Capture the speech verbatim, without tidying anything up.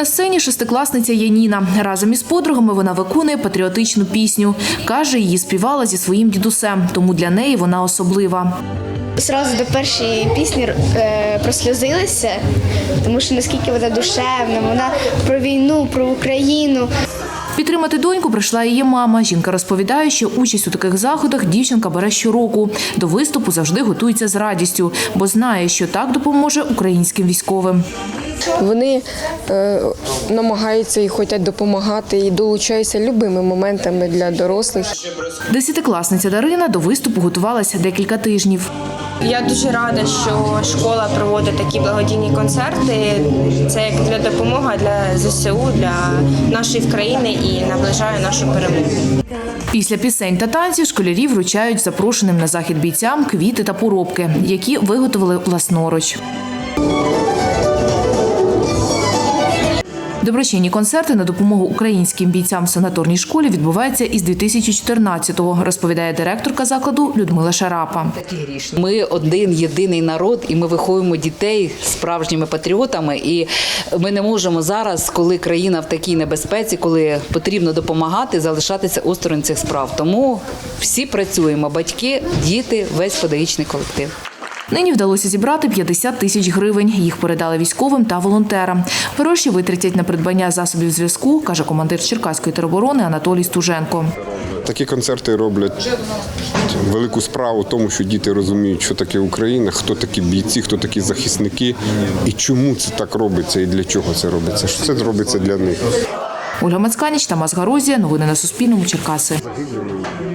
сцені шестикласниця Яніна. Разом із подругами вона виконує патріотичну пісню. Каже, її співала зі своїм дідусем, тому для неї вона особлива. Зразу до першої пісні е, просльозилася, тому що наскільки вона душевна, вона про війну, про Україну. Підтримати доньку прийшла її мама. Жінка розповідає, що участь у таких заходах дівчинка бере щороку. До виступу завжди готується з радістю, бо знає, що так допоможе українським військовим. Вони е, намагаються і хочуть допомагати, і долучаються любими моментами для дорослих. Десятикласниця Дарина до виступу готувалася декілька тижнів. Я дуже рада, що школа проводить такі благодійні концерти. Це як для допомоги для ЗСУ, для нашої країни і наближає нашу перемогу. Після пісень та танців школярі вручають запрошеним на захід бійцям квіти та поробки, які виготовили власноруч. Доброчинні концерти на допомогу українським бійцям в санаторній школі відбуваються із дві тисячі чотирнадцятого, розповідає директорка закладу Людмила Шарапа. Ми один єдиний народ, і ми виховуємо дітей справжніми патріотами. І ми не можемо зараз, коли країна в такій небезпеці, коли потрібно допомагати, залишатися осторонь цих справ. Тому всі працюємо – батьки, діти, весь педагогічний колектив. Нині вдалося зібрати п'ятдесят тисяч гривень. Їх передали військовим та волонтерам. Гроші витратять на придбання засобів зв'язку, каже командир Черкаської тероборони Анатолій Стуженко. Такі концерти роблять велику справу в тому, що діти розуміють, що таке Україна, хто такі бійці, хто такі захисники і чому це так робиться і для чого це робиться. Що це робиться для них. Ольга Мацканіч, Тамас Гарозія. Новини на Суспільному. Черкаси.